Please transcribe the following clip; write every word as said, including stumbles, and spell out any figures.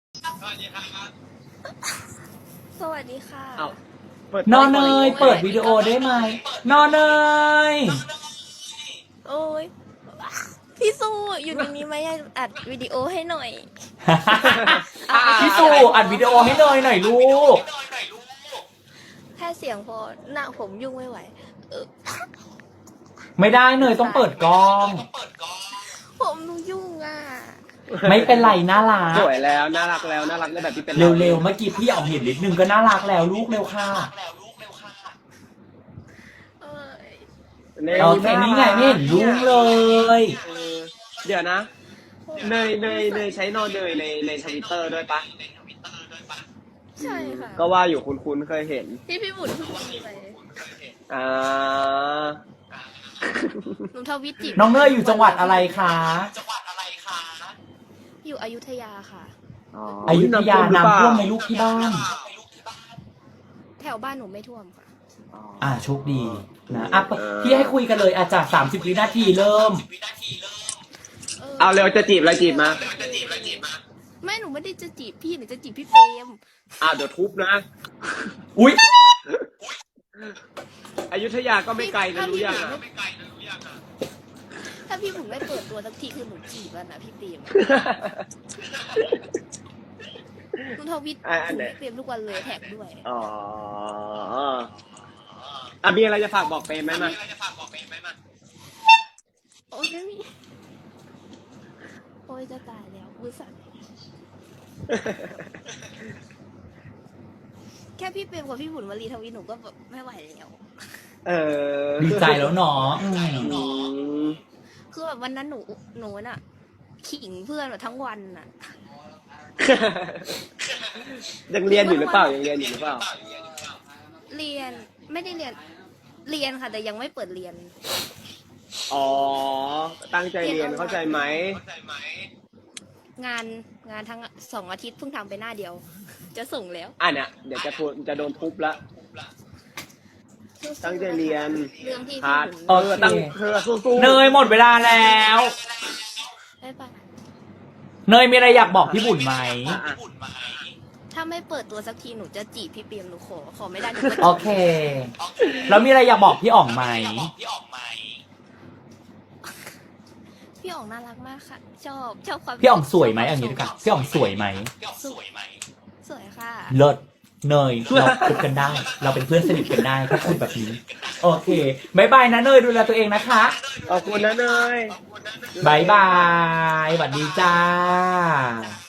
สวัสดีครับสวัสดีค่ะเอาเปิดนอนเนยเปิดวิดีโอได้ไหมนอนเนยโอ้ยพี่สู้อยู่ตรงนี้ไหมอัดวิดีโอให้หน่อยพี่สู่อัดวิดีโอให้เนยหน่อยลูกแค่เสียงพอหน้าผมยุ่งไม่ไหวเออไม่ได้เนยต้องเปิดกล้องผมยุ่งอ่ะไม่เป็นไรน่ารักสวยแล้วน่ารักแล้วน่ารักในแบบที่เป็นเร็วๆเมื่อกี้พี่ออกเห็นนิดนึงก็น่ารักแล้วลูกเร็วค่ะเอ้ยเราแค่นี้ไงไม่เห็นยุ่งเลยเออเดี๋ยวนะเนยเนยเนยใช้นอนเนยในในทวิตเตอร์ด้วยปะใช่ค่ะก็ว่าอยู่คุ้นๆเคยเห็นพี่พี่บุญพูดไปอ่าหนูทวิตจีบน้องเนยอยู่จังหวัดอะไรคะอยู่อยุธยาค่ะอยุธยาน้ำท่วมในลูกที่บ้านแถวบ้านหนูไม่ท่วมค่ะอ่าโชคดีนะอ่ะพี่ให้คุยกันเลยอาจากสามสิบวินาทีเริ่มเอาเร็วจะจีบอะไรจีบมาไม่หนูไม่ได้จะจีบพี่หนูจะจีบพี่เฟรมอ่าเดี๋ยวทุบนะอุ๊ยอยุธยาก็ไม่ไกลนะรู้ยังอ่ะถ้าพี่บุญไม่เปิดตัวสักทีคือหนูจีบแล้วนะพี่เฟรมหนูทวิตถึงพี่เฟรมทุกวันเลยแท็กด้วยอ๋ออ่ะมีอะไรจะฝากบอกเปรมไหมมาโอ้ยไม่มีโอ้ยจะตายแล้วมือสั่นแค่พี่เปรมกับพี่บุญวลีทวีหนูก็แบบไม่ไหวแล้วเออดีใจแล้วเนาะอืมคือแบบวันนั้นหนูหนูน่ะขิงเพื่อนแบบทั้งวันน่ะยังเรียนอยู่หรือเปล่ายังเรียนอยู่หรือเปล่าเรียนไม่ได้เรียนเรียนค่ะ แต่ยังไม่เปิดเรียนอ๋อตั้งใจเรียนเข้าใจไหมงานงานทั้งสองอาทิตย์เพิ่งทำไปหน้าเดียว จะส่งแล้วอ่ะเนี่ยเดี๋ยวจะโดนจะโดนทุบละ ตั้งใจเรียนเรื่องที่พาพี่ร์ทบุญเออตั้งเธอสู้ๆเนยหมดเวลาแล้วไม่ไปเนยมีอะไรอยากบอกพี่บุญไหมอ่ะอ่ะถ้าไม่เปิดตัวสักทีหนูจะจีบพี่เปียมหนูขอขอไม่ได้หนูก็โอเค แล้วมีอะไรอยากบอกพี่อ่องไหมพี่อ๋องน่ารักมากค่ะ ชอบชอบความพี่อ่องสวยไหมเอย่างนี้ดีกว่าพี่อ่องสวยไหมสวยสวยค่ะเลิศเนยเราคุยกันได้ เราเป็นเพื่อนสนิทกันได้ถ้าคุณแบบนี้ โอเคบายบายนะเนยดูแลตัวเองนะคะขอบคุณนะเนยบายบายสวัสดีจ้า